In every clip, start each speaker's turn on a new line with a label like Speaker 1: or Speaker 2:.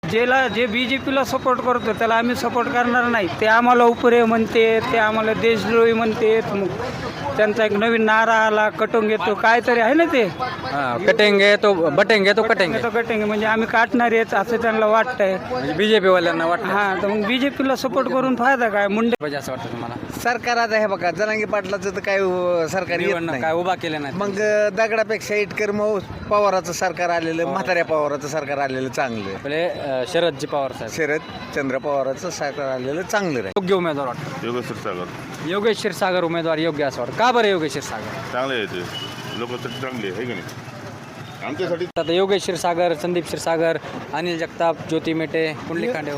Speaker 1: जे BJPला सपोर्ट करतो त्याला आम्ही सपोर्ट करणार नाही. ते आम्हाला उपरे म्हणते, ते आम्हाला देशद्रोही म्हणते. मग त्यांचा एक नवीन नारा आला, कटोंगे तो काहीतरी आहे ना ते,
Speaker 2: कटेंगे तो बटेंगे तो कटेंगे.
Speaker 1: तो कटेंगे म्हणजे आम्ही काटणार आहेत असं त्यांना वाटतंय.
Speaker 2: म्हणजे बीजेपी वाल्यांना वाटतं
Speaker 1: हां, तर मग BJPला सपोर्ट करून फायदा काय? मुंडे
Speaker 2: पाहिजे असं वाटतं तुम्हाला?
Speaker 3: सरकार आता हे बघा, जरांगे पाटलाचं तर काय सरकार येत
Speaker 2: निवडणूक
Speaker 3: नाही.
Speaker 2: काय उभा केलं नाही.
Speaker 3: मग दगडापेक्षा इटकर मग पवाराचं सरकार आलेलं, म्हाताऱ्या पवाराचं सरकार आलेलं चांगलं.
Speaker 2: आपले शरदजी पवार साहेब
Speaker 3: शरद चंद्र पवाराचं सरकार आलेलं चांगलं आहे.
Speaker 2: योग्य उमेदवार वाटतं.
Speaker 4: योगेश क्षीरसागर
Speaker 2: योगेश क्षीरसागर उमेदवार योग्य असं वाटतं. का बरं योगेश क्षीरसागर?
Speaker 4: चांगले आहे ते, लोक चांगले आहे की नाही आमच्यासाठी.
Speaker 2: आता योगेश क्षीरसागर, संदीप क्षीरसागर, अनिल जगताप, ज्योती मेटे, कुंडलिक खांडे.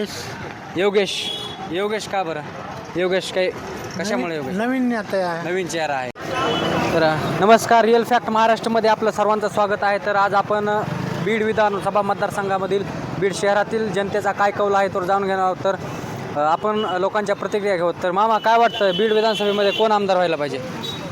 Speaker 2: योगेश का बरं? योगेश काही कशामुळे? योगेश
Speaker 1: नवीन नेता
Speaker 2: नवीन चेहरा आहे. तर नमस्कार, रिअल फॅक्ट महाराष्ट्रामध्ये आपलं सर्वांचं स्वागत आहे. तर आज आपण बीड विधानसभा मतदारसंघामधील बीड शहरातील जनतेचा काय कौल आहे तो जाणून घेणार आहोत. तर आपण लोकांच्या प्रतिक्रिया घेऊ. तर मामा काय वाटतं, बीड विधानसभेमध्ये कोण आमदार व्हायला पाहिजे?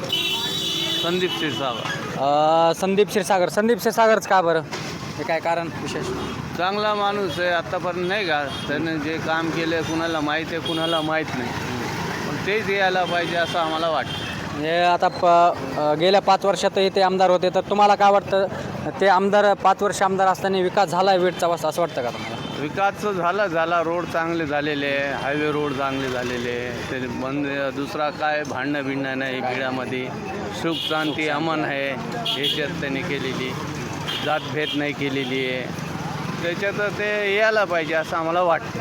Speaker 1: संदीप क्षीरसागर.
Speaker 2: संदीप क्षीरसागरच का बरं? हे काय कारण विशेष?
Speaker 1: चांगला माणूस आहे, आत्तापर्यंत नाही का त्यानं जे काम केलं कुणाला माहीत आहे कुणाला माहीत नाही, पण तेच यायला पाहिजे असं आम्हाला वाटतं.
Speaker 2: हे आता गेल्या 5 वर्षातही ते आमदार होते. तर तुम्हाला काय वाटतं, ते आमदार 5 वर्ष आमदार असताना विकास झाला आहे बीडचा असं वाटतं का तुम्हाला?
Speaker 1: विकास झाला रोड चांगले झालेले आहे, हायवे रोड चांगले झालेले आहे. ते बंद दुसरा काय भांडणं भिडणं नाही बीडामध्ये, सुख शांती अमन आहे ह्याच्यात त्यांनी केलेली, जातभेद नाही केलेली आहे. त्याच्यात ते यायला पाहिजे असं आम्हाला वाटतं.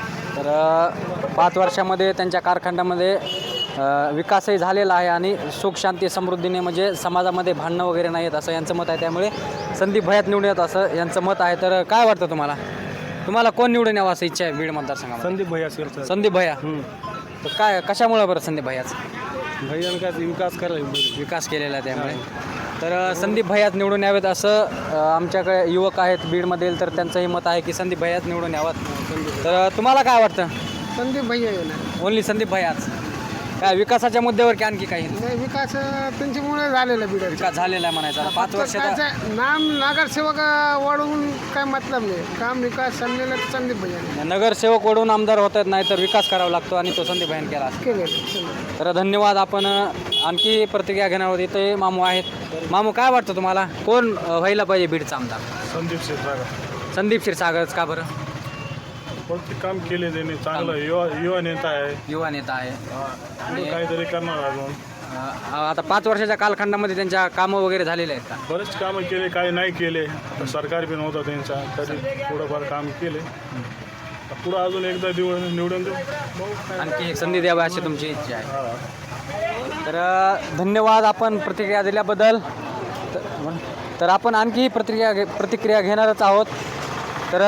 Speaker 2: तर 5 वर्षामध्ये त्यांच्या कारखान्यामध्ये विकासही झालेला आहे आणि सुख शांती समृद्धीने म्हणजे समाजामध्ये भांडणं वगैरे नाही आहेत असं यांचं मत आहे. त्यामुळे संदीप भैयात निवडून येत असं यांचं मत आहे. तर काय वाटतं तुम्हाला कोण निवडून यावं असं इच्छा आहे बीड मतदारसंघामध्ये?
Speaker 1: संदीप भैया
Speaker 2: संदीप भैया. तर काय कशामुळे बरं संदीप भैयाच?
Speaker 1: भैयानं काय विकास करायला
Speaker 2: विकास केलेला आहे त्यामुळे. तर संदीप भैयात निवडून यावेत असं आमच्याकडे युवक आहेत बीडमधील, तर त्यांचंही मत आहे की संदीप भैयात निवडून यावं. तर तुम्हाला काय वाटतं?
Speaker 1: संदीप भैया येणार.
Speaker 2: ओनली संदीप भैयाच? काय विकासाच्या मुद्द्यावर की आणखी काही?
Speaker 1: विकास त्यांच्यामुळे झालेला बीड
Speaker 2: विकास झालेला आहे म्हणायचा. 5 वर्षाचा
Speaker 1: नाम नगरसेवक वाढवून काय मतलब नाही, काम विकास चाललेला संदीप भैया
Speaker 2: नगरसेवक वडून आमदार होत नाही तर विकास करावा लागतो आणि तो संदीप भैयाने केला.
Speaker 1: केले.
Speaker 2: तर धन्यवाद. आपण आणखी प्रतिक्रिया घेणार आहोत. इथे मामू आहेत. मामू काय वाटतं तुम्हाला, कोण व्हायला पाहिजे बीडचा आमदार?
Speaker 4: संदीप क्षीरसागर.
Speaker 2: संदीप क्षीरसागरच का बरं?
Speaker 4: कोणते काम केले त्यांनी चांगलं, युवा नेता आहे,
Speaker 2: युवा नेता आहे.
Speaker 4: काहीतरी करणार अजून.
Speaker 2: आता 5 वर्षाच्या कालखंडामध्ये त्यांच्या कामं वगैरे झालेले आहेत का?
Speaker 4: बरेच कामं केले, काही नाही केले. आता सरकार बी नव्हता त्यांचा, तरी थोडंफार काम केले. पुढं अजून एकदा निवडून देऊ.
Speaker 2: आणखी एक संधी द्यावी अशी तुमची इच्छा आहे. तर धन्यवाद आपण प्रतिक्रिया दिल्याबद्दल. तर आपण आणखी प्रतिक्रिया घेणारच आहोत. तर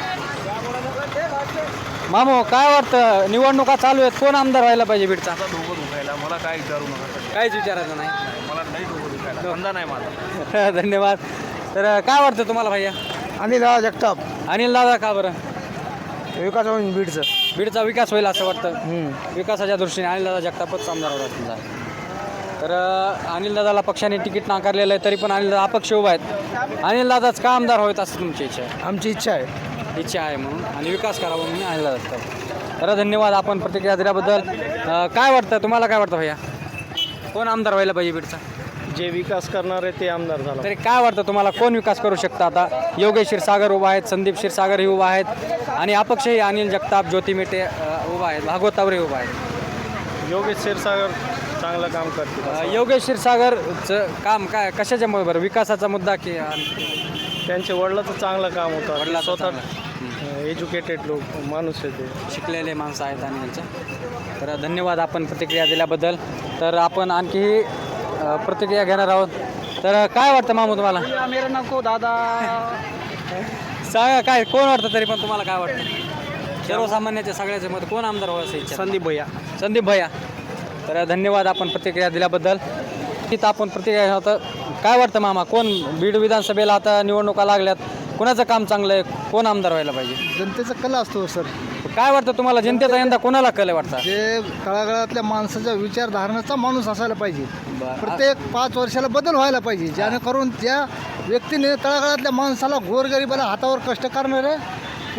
Speaker 2: मामू काय वाटतं, निवडणुका चालू आहेत, कोण आमदार व्हायला पाहिजे बीडचा?
Speaker 4: मला काय विचारू नका,
Speaker 2: काहीच विचारायचं नाही.
Speaker 4: मला नाही धंदा नाही माझा.
Speaker 2: धन्यवाद. तर काय वाटतं तुम्हाला भैया?
Speaker 1: अनिल जगताप.
Speaker 2: अनिल दादा का बरं?
Speaker 1: विकास होईल बीडचं.
Speaker 2: बीडचा विकास होईल असं वाटतं. विकासाच्या दृष्टीने अनिल दादा जगतापच आमदार होता समजा. तर अनिल दादाला पक्षाने तिकीट नाकारलेलं आहे, तरी पण अनिल दादा अपक्ष उभा आहेत. अनिल दादाच का आमदार व्हावेत असं तुमची इच्छा आहे?
Speaker 1: आमची इच्छा आहे
Speaker 2: म्हणून आणि विकास करावा म्हणून अनिल दादा. तर धन्यवाद आपण प्रतिक्रिया दिल्याबद्दल. काय वाटतं तुम्हाला, काय वाटतं भैया, कोण आमदार व्हायला पाहिजे बीडचा?
Speaker 1: जे विकास करणार आहे ते आमदार झाला.
Speaker 2: तरी काय वाटतं तुम्हाला, कोण विकास करू शकतं? आता योगेश क्षीरसागर उभा आहेत, संदीप क्षीरसागरही उभा आहेत आणि अपक्षही अनिल जगताप, ज्योती मेटे उभा आहेत, भागवत तावरे उभा आहेत.
Speaker 1: योगेश क्षीरसागर चांगलं काम करते.
Speaker 2: योगेश क्षीरसागरचं काम काय कशाच्यामुळे बरं? विकासाचा मुद्दा की
Speaker 1: त्यांच्या वडिलाचं चांगलं काम होतं.
Speaker 2: वडिलांचं
Speaker 1: स्वतः एज्युकेटेड लोक माणूस आहे, ते
Speaker 2: शिकलेले माणसं आहेत आणि यांचं. तर धन्यवाद आपण प्रतिक्रिया दिल्याबद्दल. तर आपण आणखी प्रतिक्रिया घेणार आहोत. तर काय वाटतं मामू तुम्हाला?
Speaker 1: मेरा नको दादा.
Speaker 2: सांगा काय कोण वाटतं, तरी पण तुम्हाला काय वाटतं? सर्वसामान्याच्या सगळ्याचे मत कोण आमदार व्हायचं इच्छा?
Speaker 1: संदीप भैया.
Speaker 2: संदीप भैया. तर धन्यवाद आपण प्रतिक्रिया दिल्याबद्दल. तिथं आपण प्रतिक्रिया होतं. काय वाटतं मामा, कोण बीड विधानसभेला आता निवडणुका लागल्यात, कोणाचं काम चांगलं आहे, कोण आमदार व्हायला पाहिजे?
Speaker 1: जनतेचा कला असतो सर.
Speaker 2: काय वाटतं तुम्हाला, जनतेचा यंदा कोणाला कल वाटतं?
Speaker 1: जे तळागाळातल्या माणसाच्या विचारधारणाचा माणूस असायला पाहिजे. प्रत्येक 5 वर्षाला बदल व्हायला पाहिजे, जेणेकरून त्या व्यक्तीने तळागाळातल्या माणसाला, गोरगरिबाला, हातावर कष्ट करणारे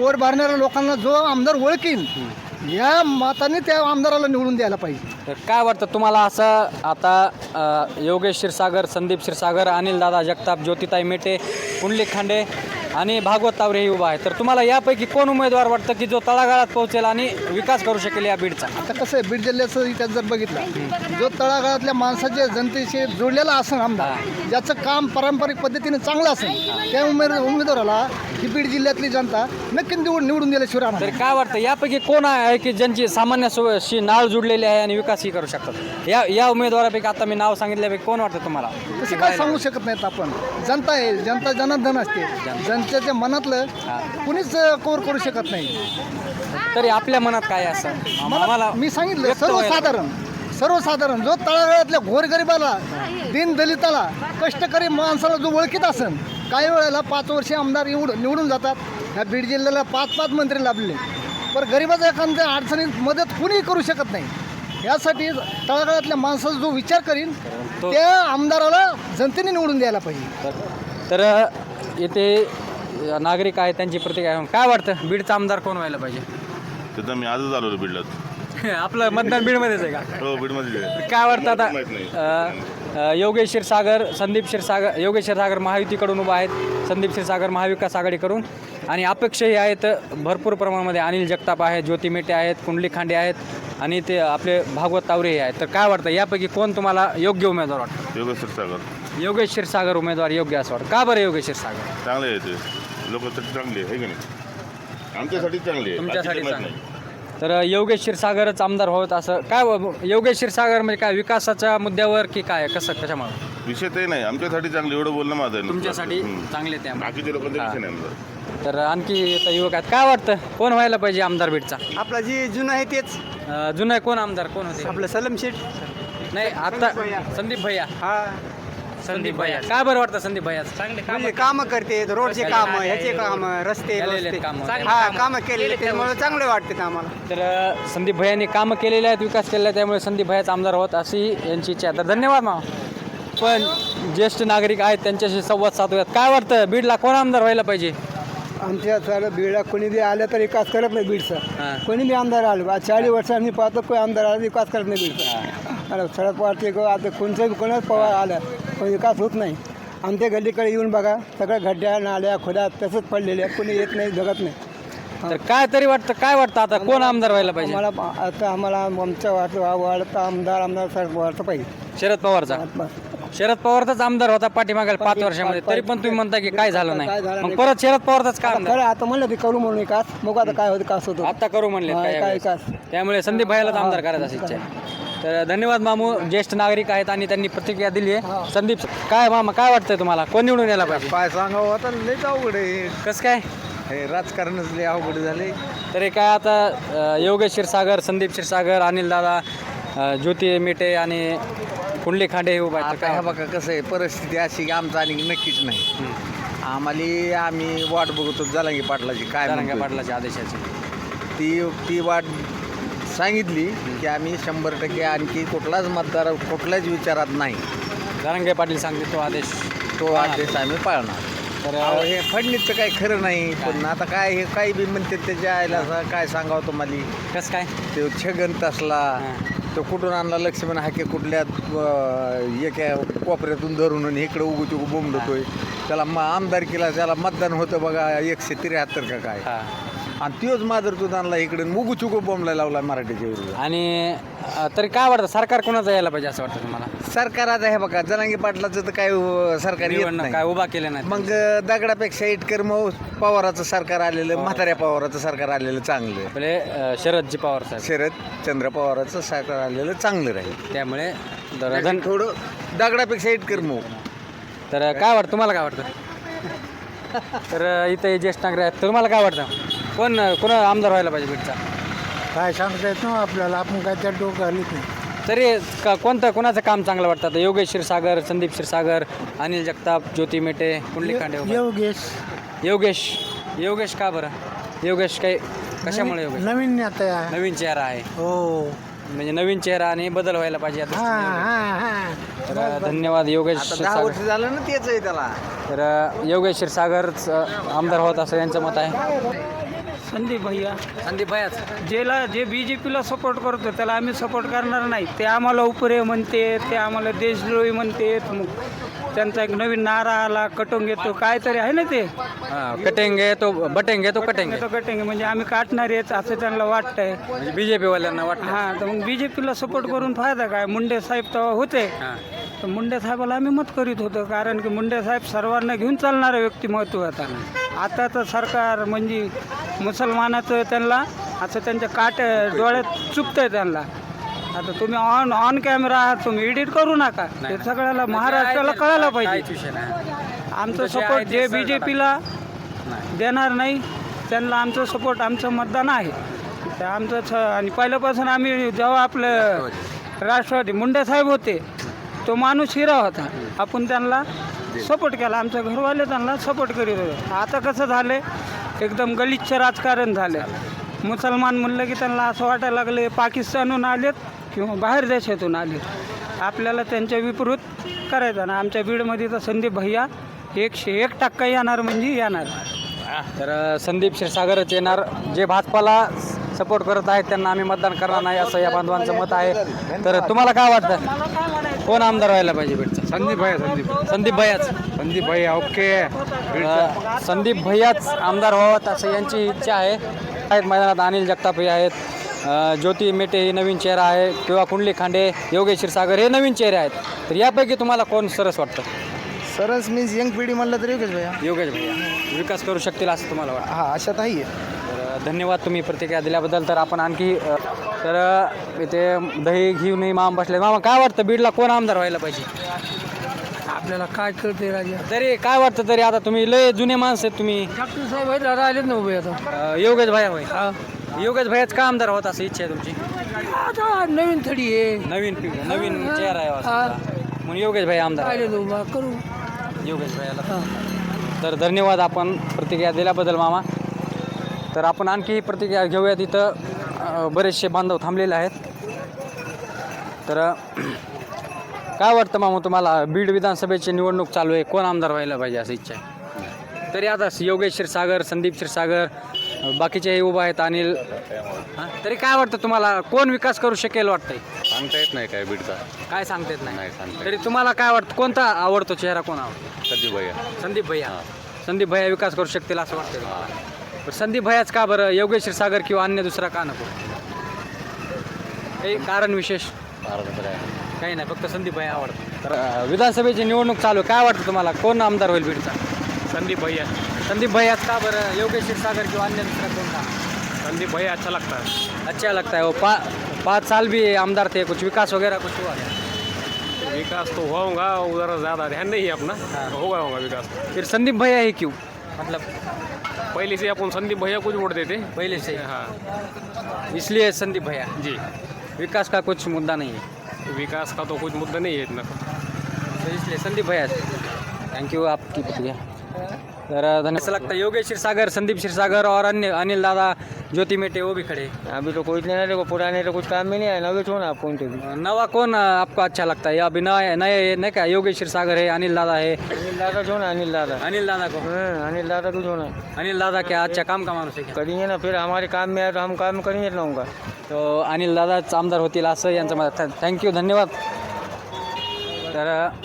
Speaker 5: पोट भरणाऱ्या लोकांना जो आमदार ओळखीन या मताने त्या आमदाराला निवडून द्यायला पाहिजे.
Speaker 2: तर काय वाटतं तुम्हाला असं आता योगेश क्षीरसागर, संदीप क्षीरसागर, अनिलदादा जगताप, ज्योतिताई मेटे, पुंडलिक खांडे आणि भागवत तावरे हे उभा आहे, तर तुम्हाला यापैकी कोण उमेदवार वाटतं की जो तळागाळात पोहोचेल आणि विकास करू शकेल या बीडचा?
Speaker 5: आता कसं आहे, बीड जिल्ह्याचं इतिहास जर बघितलं, जो तळागाळातल्या माणसाच्या जनतेशी जोडलेला असेल आमदार, ज्याचं काम पारंपरिक पद्धतीने चांगलं असेल, त्या उमेदवाराला ही बीड जिल्ह्यातली जनता नक्की निवडून दिल्याशिवाय राहणार
Speaker 2: तर
Speaker 5: नाही.
Speaker 2: काय वाटतं यापैकी कोण आहे की ज्यांची सामान्यशी नाळ जुडलेली आहे आणि विकासही करू शकतात? या उमेदवारापैकी आता मी नाव सांगितल्यापैकी कोण वाटतं तुम्हाला?
Speaker 5: तसं काय सांगू शकत नाहीत आपण. जनता आहे, जनता जनार्दन असते, जनतेच्या मनातलं कुणीच कोर करू शकत नाही.
Speaker 2: तरी आपल्या मनात काय आहे असं आम्हाला
Speaker 5: मी सांगितलं
Speaker 2: व्यक्त व्हायला
Speaker 5: सर्वसाधारण जो तळागाळातल्या गोरगरिबाला, दीनदलिताला, कष्टकरी माणसाला जो ओळखीत असेल, काही वेळेला 5 वर्षे आमदार निवडून जातात. ह्या बीड जिल्ह्याला 5 मंत्री लाभले, पण गरिबाच्या एखाद्या अडचणीत मदत कुणीही करू शकत नाही. यासाठी तळागाळातल्या माणसाचा जो विचार करीन त्या आमदाराला जनतेने निवडून द्यायला पाहिजे.
Speaker 2: तर इथे नागरिक आहेत, त्यांची प्रतिक्रिया आहे. काय वाटतं बीडचा आमदार कोण व्हायला पाहिजे?
Speaker 6: तिथं मी आजच आलो बीडला.
Speaker 2: आपलं मतदान बीडमध्येच आहे का?
Speaker 6: हो बीडमध्ये आहे.
Speaker 2: काय वाटतं
Speaker 6: माहित नाही.
Speaker 2: आता योगेश क्षीरसागर, संदीप क्षीरसागर, योगेश क्षीरसागर महायुतीकडून उभा आहेत, संदीप क्षीरसागर महाविकास आघाडीकडून, आणि अपेक्षाही आहेत भरपूर प्रमाणामध्ये. अनिल जगताप आहेत, ज्योती मेटे आहेत, पुंडलिक खांडे आहेत आणि ते आपले भागवत तावरे आहेत. तर काय वाटतं यापैकी कोण तुम्हाला योग्य उमेदवार वाटतं?
Speaker 6: योगेश क्षीरसागर
Speaker 2: योगेश क्षीरसागर उमेदवार योग्य असं वाटतं. का बरं योगेश क्षीरसागर?
Speaker 6: चांगले आहे ते, लोकांसाठी चांगले आहे की नाही? आमच्यासाठी चांगले आहे,
Speaker 2: तुमच्यासाठी
Speaker 6: बाकीचे माहित
Speaker 2: चांगले. तर योगेश क्षीरसागरच आमदार होत असं काय? योगेश क्षीरसागर म्हणजे काय विकासाच्या मुद्द्यावर की काय, कसं कशामुळे?
Speaker 6: नाही. विषय ते नाही, आमच्यासाठी चांगले, एवढं बोलणं माझं आहे.
Speaker 2: तुमच्यासाठी चांगले ते आमदार.
Speaker 6: बाकीच्या लोकांचा विषय नाही आमचा.
Speaker 2: तर आणखी आता युवक आहेत, काय वाटतं कोण व्हायला पाहिजे आमदार बीडचा?
Speaker 5: आपला जे जुनं आहे तेच
Speaker 2: जुना कोण आमदार कोण होते?
Speaker 5: आपलं सलम शेठ.
Speaker 2: नाही आता संदीप भैया. संदीप भैया काय बरं वाटतं? संदीप भैया चांगले काम
Speaker 7: म्हणजे कामं करते, रोडचे काम, ह्याचे काम, रस्ते
Speaker 2: केलेले कामं.
Speaker 7: हा कामं केलेले, त्यामुळे चांगले वाटते आम्हाला.
Speaker 2: तर संदीप भैयांनी कामं केलेले आहेत, विकास केलेला आहे, त्यामुळे संदीप भैयाच आमदार होत अशी यांची इच्छा आहे. तर धन्यवाद मामा. पण ज्येष्ठ नागरिक आहेत त्यांच्याशी संवाद साधूयात. काय वाटतं बीडला कोण आमदार व्हायला पाहिजे?
Speaker 5: आमच्या सारं बीडला कोणी बी आलं तर विकास करत नाही बीडचा.
Speaker 2: हां.
Speaker 5: कोणी बी आमदार आलं, आज 40 वर्षांनी पाहतो कोणी आमदार आला विकास करत नाही बीडचा. आणि सडक वाटते आता कोणचं कोणाच पवार आलं पण विकास होत नाही. आमच्या गल्लीकडे येऊन बघा, सगळ्या खड्ड्या, नाल्या, खोड्या तसंच पडलेल्या, कोणी येत नाही, जगत नाही.
Speaker 2: तर काय तरी वाटतं, काय वाटतं आता कोण आमदार व्हायला पाहिजे?
Speaker 5: आम्हाला आमच्या वाटतं आमदार साहेब वाटतं पाहिजे.
Speaker 2: शरद पवारचा. शरद पवारचाच आमदार होता पाठीमागेल 5 वर्षामध्ये, तरी पण तुम्ही म्हणता की काय झालं नाही, मग परत शरद पवारचाच का आमदार?
Speaker 5: खरं आता म्हणलं ते करू म्हणून विकास, मग आता काय होतं, कास होतो
Speaker 2: आता करू म्हणले
Speaker 5: काय
Speaker 2: काय
Speaker 5: विकास.
Speaker 2: त्यामुळे संदीप भाईलाच आमदार करायचा अशी इच्छा आहे. तर धन्यवाद मामू, ज्येष्ठ नागरिक आहेत आणि त्यांनी प्रतिक्रिया दिली आहे. संदीप काय मामा काय वाटतंय तुम्हाला कोण निवडून यायला पाहिजे?
Speaker 3: काय सांगावं आता, लयच अवघड आहे
Speaker 2: कसं काय?
Speaker 3: हे राजकारणच लय अवघड झाले.
Speaker 2: तरी काय आता योगेश क्षीरसागर, संदीप क्षीरसागर, अनिलदादा, ज्योती मेटे आणि पुंडलिक खांडे हे उभा आहेत.
Speaker 3: आता ह्या बघा कसं आहे, परिस्थिती अशी की आमचं आणि नक्कीच नाही. आम्ही वाट बघतो जलांगी पाटलाची, काय
Speaker 2: जरांगे
Speaker 3: म्हणतोय.
Speaker 2: पाटलाच्या आदेशाची
Speaker 3: ती वाट सांगितली की आम्ही 100% आणखी कुठलाच मतदार कुठल्याच विचारात नाही,
Speaker 2: जरांगे पाटील सांगते तो आदेश.
Speaker 3: तो आदेश आम्ही पाळणार.
Speaker 2: तर
Speaker 3: अहो, हे फडणीसचं काही खरं नाही. पण आता काय हे काही बी म्हणते त्याच्या आयला असं काय सांगावं तुम्हाला.
Speaker 2: कसं काय?
Speaker 3: तो छगन तसला, तो कुठून आणला लक्ष्मण हाके कुठल्या एका कोपऱ्यातून धरून आणि इकडं उगू बोंबलतोय. त्याला आमदारकीला त्याला मतदान होतं बघा 173 का काय, आणि तोच माधुरतून आणला इकडे उगू चुकू बोंबला लावला मराठीच्या विरोधात.
Speaker 2: आणि तरी काय वाटतं सरकार कोणाचं यायला पाहिजे असं वाटतं तुम्हाला?
Speaker 3: सरकार आता हे बघा जलांगी पाटलाचं तर काय सरकार येत
Speaker 2: निवडणूक
Speaker 3: नाही.
Speaker 2: काय उभा केलं नाही.
Speaker 3: मग दगडापेक्षा इटकर मग पवाराचं सरकार आलेलं, म्हाताऱ्या पवाराचं सरकार आलेलं चांगलं.
Speaker 2: आपले शरदजी पवार साहेब,
Speaker 3: शरद चंद्र पवाराचं सरकार आलेलं चांगलं राहील.
Speaker 2: त्यामुळे
Speaker 3: थोडं दगडापेक्षा इटकर मग.
Speaker 2: तर काय वाटतं तुम्हाला, काय वाटतं? तर इथे ज्येष्ठ नागरिक आहेत, तुम्हाला काय वाटतं कोण आमदार व्हायला पाहिजे बीडचा?
Speaker 5: काय सांगता येत ना आपल्याला, आपण काय त्या डोकं घालीत नाही.
Speaker 2: तरी कोणाचं काम चांगलं वाटतं? आता योगेश क्षीरसागर, संदीप क्षीरसागर, अनिल जगताप, ज्योती मेटे, पुंडलिक खांडे. योगेश का बरं? योगेश काही कशामुळे? योगेश
Speaker 5: नवीन आता
Speaker 2: नवीन चेहरा आहे,
Speaker 5: हो.
Speaker 2: म्हणजे नवीन चेहरा आणि बदल व्हायला पाहिजे आता. तर धन्यवाद योगेश
Speaker 3: 10
Speaker 2: क्षीरसागर.
Speaker 3: वर्ष झालं ना तेच आहे त्याला.
Speaker 2: तर योगेश क्षीरसागरच आमदार होत असं यांचं मत आहे.
Speaker 8: संदीप भैया
Speaker 2: संदीप भैयाच
Speaker 8: जे BJPला सपोर्ट करतो त्याला आम्ही सपोर्ट करणार नाही. ते आम्हाला उपरे म्हणते, ते आम्हाला देशद्रोही म्हणते. मग त्यांचा एक नवीन नारा आला, कटोंगे तो काहीतरी आहे ना ते,
Speaker 2: कटेंगे तो बटेंगे तो कटेंगे
Speaker 8: तो कटेंगे म्हणजे आम्ही काटणार आहेत असं त्यांना वाटतंय.
Speaker 2: म्हणजे बीजेपी वाल्यांना वाटतं.
Speaker 8: हां, तर मग BJPला सपोर्ट करून फायदा काय? मुंडे साहेब तेव्हा होते, तर मुंडे साहेबाला आम्ही मत करीत होतो, कारण की मुंडे साहेब सर्वांना घेऊन चालणारं व्यक्तिमत्व होता. आताचं सरकार म्हणजे मुसलमानाचं त्यांना असं त्यांच्या डोळ्यात चुकतंय त्यांना. आता तुम्ही ऑन कॅमेरा आहात, तुम्ही एडिट करू नका. ते सगळ्याला महाराष्ट्राला कळायला पाहिजे. आमचं सपोर्ट जे BJPला देणार नाही त्यांना आमचं सपोर्ट, आमचं मतदान आहे. तर आमचं आणि पहिल्यापासून आम्ही जेव्हा आपलं राष्ट्रवादी मुंडे साहेब होते, तो माणूस हिरा होता, आपण त्यांना सपोर्ट केला. आमच्या घरवाले त्यांना सपोर्ट करीत होते. आता कसं झालं, एकदम गलिच्छ राजकारण झालं. मुसलमान म्हणलं की त्यांना असं वाटायला लागले पाकिस्तानहून आलेत किंवा बाहेर देशातून आलेत. आपल्याला त्यांच्या विपरीत करायचं ना. आमच्या बीडमध्ये तर संदीप भैया 101% येणार म्हणजे येणार.
Speaker 2: तर संदीप क्षीरसागरच येणार. जे भाजपाला सपोर्ट करत आहेत त्यांना आम्ही मतदान करणार नाही असं या बांधवांचं मत आहे. तर तुम्हाला काय वाटतं, कोण आमदार व्हायला पाहिजे बीडचा?
Speaker 3: संदीप
Speaker 2: भैयाच.
Speaker 3: संदीप भैया ओके.
Speaker 2: संदीप भैयाच आमदार व्हावं असं यांची इच्छा आहे. आहेत मैदानात अनिल जगताप हे आहेत, ज्योती मेटे ही नवीन चेहरा आहे, किंवा कुंडली खांडे, योगेश क्षीरसागर हे नवीन चेहरे आहेत. तर यापैकी तुम्हाला कोण सरस वाटतं?
Speaker 5: सरस मीन्स यंग पिढी म्हणलं तर योगेश भैया.
Speaker 2: योगेश भैया विकास करू शकतील असं तुम्हाला वाटतं?
Speaker 5: हा, अशात आहे.
Speaker 2: तर धन्यवाद तुम्ही प्रतिक्रिया दिल्याबद्दल. तर आपण आणखी तर इथे दही घेऊनही मामा बसले. मामा काय वाटतं, बीडला कोण आमदार व्हायला पाहिजे?
Speaker 8: आपल्याला काय कळते राजा?
Speaker 2: तरी काय वाटतं, तरी आता तुम्ही लय जुने माणसं आहेत तुम्ही.
Speaker 8: डॉक्टर साहेब आहेत, दादा आलेत ना उभे आता.
Speaker 2: योगेश भैया होय. योगेश भैयाच का आमदार होत असं इच्छा आहे तुमची?
Speaker 8: आता नवीन थडी आहे,
Speaker 2: नवीन चेहरा आहे असं. म्हणून योगेश भैया आमदार आहे.
Speaker 8: आले उभा करू
Speaker 2: योगेश भैयाला. तर धन्यवाद आपण प्रतिक्रिया दिल्याबद्दल मामा. तर आपण आणखी प्रतिक्रिया घेऊयात. इथं बरेचसे बांधव थांबलेले आहेत. तर काय वाटतं मामा तुम्हाला, बीड विधानसभेची निवडणूक चालू आहे, कोण आमदार व्हायला पाहिजे असं इच्छा आहे? तरी आता योगेश क्षीरसागर, संदीप क्षीरसागर, बाकीचेही उभा आहेत, अनिल. तरी काय वाटतं तुम्हाला, कोण विकास करू शकेल वाटतंय?
Speaker 1: सांगता येत नाही काय बीडचा,
Speaker 2: काय सांगता येत नाही.
Speaker 1: नाही सांगता.
Speaker 2: तरी तुम्हाला काय वाटतं, कोणता आवडतो चेहरा, कोण आवडतो?
Speaker 1: संदीप भैया.
Speaker 2: संदीप भैया विकास करू शकतील असं वाटतं. पण संदीप भैयाच का बरं, योगेश क्षीरसागर किंवा अन्य दुसरा का नको? काही कारण विशेष? काही नाही, फक्त संदीप भैया आवडतं. तर विधानसभेची निवडणूक चालू, काय वाटतं तुम्हाला, कोण आमदार होईल बीडचा?
Speaker 4: संदीप भैया.
Speaker 2: संदीप भैयाच का बरं, योगेश क्षीरसागर किंवा अन्य दुसरा कोण का?
Speaker 4: संदीप भैया अच्छा लगता है.
Speaker 2: अच्छा लगता है वो. 5 साल भी आमदार थे, कुछ विकास वगैरह कुछ हुआ क्या?
Speaker 4: विकास तो होगा, उधर ज़्यादा ध्यान नहीं है अपना. होगा विकास.
Speaker 2: फिर संदीप भैया ही क्यों, मतलब
Speaker 4: पहले से अपन संदीप भैया को वोट देते.
Speaker 2: पहले से?
Speaker 4: हाँ
Speaker 2: इसलिए संदीप भैया.
Speaker 4: जी.
Speaker 2: विकास का कुछ मुद्दा नहीं है,
Speaker 4: विकास का तो कुछ मुद्दा नहीं है इतना.
Speaker 2: तो इसलिए संदीप भैया. थैंक यू आपकी प्रतिक्रिया. तर धन्यवाद. ऐसा लगता है योगेश क्षीरसागर, संदीप क्षीरसागर और अन्य अनिल दादा, ज्योति मेटे वो भी खड़े.
Speaker 7: अभी तो कोई नहीं, देखो पुराने तो कुछ काम में नहीं आया, नवे छोड़ आप कौन थे.
Speaker 2: नवा कौन आपको अच्छा लगता है? या अभी नए नहीं क्या, योगेश क्षीरसागर है, अनिल दादा है.
Speaker 7: अनिल दादा छोड़ना, अनिल दादा.
Speaker 2: अनिल दादा को.
Speaker 7: अनिल दादा को छोड़ना.
Speaker 2: अनिल दादा क्या अच्छा काम का माणूस आहे क्या?
Speaker 7: करेंगे ना, फिर हमारे काम में आए तो हम काम करेंगे ना उनका.
Speaker 2: तो अनिल दादाच आमदार होतील असं यांचं मत. थँक्यू, धन्यवाद. तर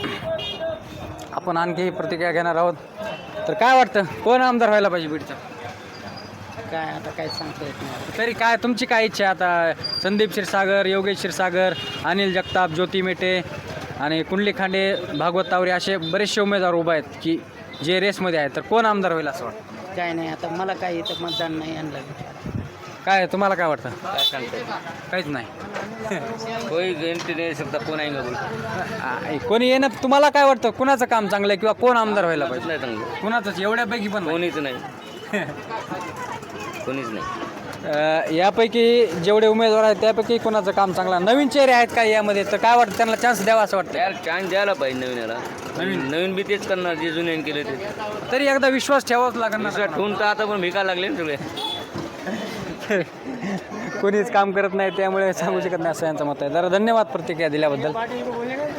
Speaker 2: आपण आणखी प्रतिक्रिया घेणार आहोत. तर काय वाटतं, कोण आमदार व्हायला पाहिजे बीडचा?
Speaker 8: काय आता काय सांगता येत नाही.
Speaker 2: तरी काय तुमची काय इच्छा आहे आता? संदीप क्षीरसागर, योगेश क्षीरसागर, अनिल जगताप, ज्योती मेटे आणि कुंडली खांडे, भागवत तावरे असे बरेचसे उमेदवार उभे आहेत की जे रेसमध्ये आहेत. तर कोण आमदार होईल असं वाटतं?
Speaker 8: काय नाही, आता मला काय इथं मतदान नाही आणलं.
Speaker 2: काय तुम्हाला काय वाटतं?
Speaker 1: काय सांगता
Speaker 2: काहीच नाही.
Speaker 1: कोई गॅरंटी नाही शकता कोण आहे बोल.
Speaker 2: कोणी येणं, तुम्हाला काय वाटतं, कुणाचं काम चांगलं आहे किंवा कोण आमदार व्हायला पाहिजे?
Speaker 1: नाही चांगलं,
Speaker 2: कुणाचंच एवढ्यापैकी पण नाही.
Speaker 1: कोणीच नाही. कोणीच नाही.
Speaker 2: यापैकी जेवढे उमेदवार आहेत त्यापैकी कोणाचं काम चांगलं? नवीन चेहरे आहेत का यामध्ये? तर काय वाटतं, त्यांना चान्स द्यावा असं वाटतं?
Speaker 1: यार चान्स द्यायला पाहिजे नवीनला. नवीन बी तेच करणार जे जुन्याने केले ते.
Speaker 2: तरी एकदा विश्वास ठेवाच लागणार.
Speaker 1: ठेवून तर आता पण भिका लागले ना सगळे.
Speaker 2: कोणीच काम करत नाही त्यामुळे सांगू शकत नाही असं यांचं मत आहे. जरा धन्यवाद प्रतिक्रिया दिल्याबद्दल.